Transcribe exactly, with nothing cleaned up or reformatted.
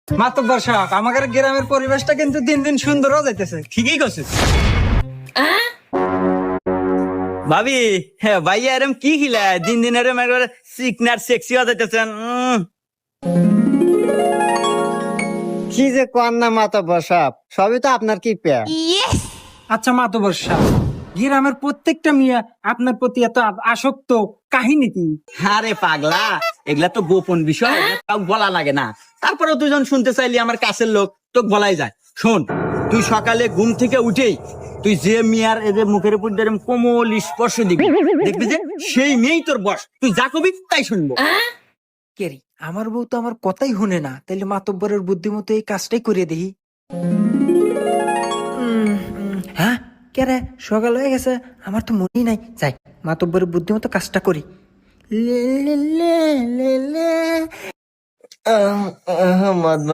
মাতব্বর সাহেব, আমাদের গ্রামের পরিবেশটা কিন্তু দিন দিন সুন্দর হয়ে যাইতেছে। ঠিকই করছিস ভাবি। হ্যাঁ ভাইয়া এরম কি খিলা দিন দিন এরম একবারে সিকনার সেক্সি হয়ে যাইতেছেন। উম, কি যে কর না মাতব্বর সাহেব, সবই তো আপনার কি পেয়া। আচ্ছা মাতব্বর সাহেব, গ্রামের প্রত্যেকটা মিয়া আপনার প্রতি এত আসক্ত কাহিনী কি? আরে পাগলা, এগুলা তো গোপন বিষয়, এগুলা কাউ বলা লাগে না। তারপরে তুই যখন শুনতে চাইলি আমার কাছের লোক, তোকে বলাই যায়। শোন, তুই সকালে ঘুম থেকে উঠেই তুই যে মিয়ার এদের মুখের উপর দিয়ে এরম কোমল স্পর্শ দিবি, দেখবি যে সেই মেয়েই তোর বস। তুই যা কবি তাই শুনবো। কেরি, আমার বউ তো আমার কথাই শুনে না, তাইলে মাতব্বরের বুদ্ধিমতো এই কাজটাই করে দেই। হ্যাঁ কে রে, সকাল হয়ে গেছে, আমার তো মনেই নাই। যাই, মাতব্বরের বুদ্ধিমতো কাজটা করি। লে লে লে লে লে। আহ, আহ, মাতব্বর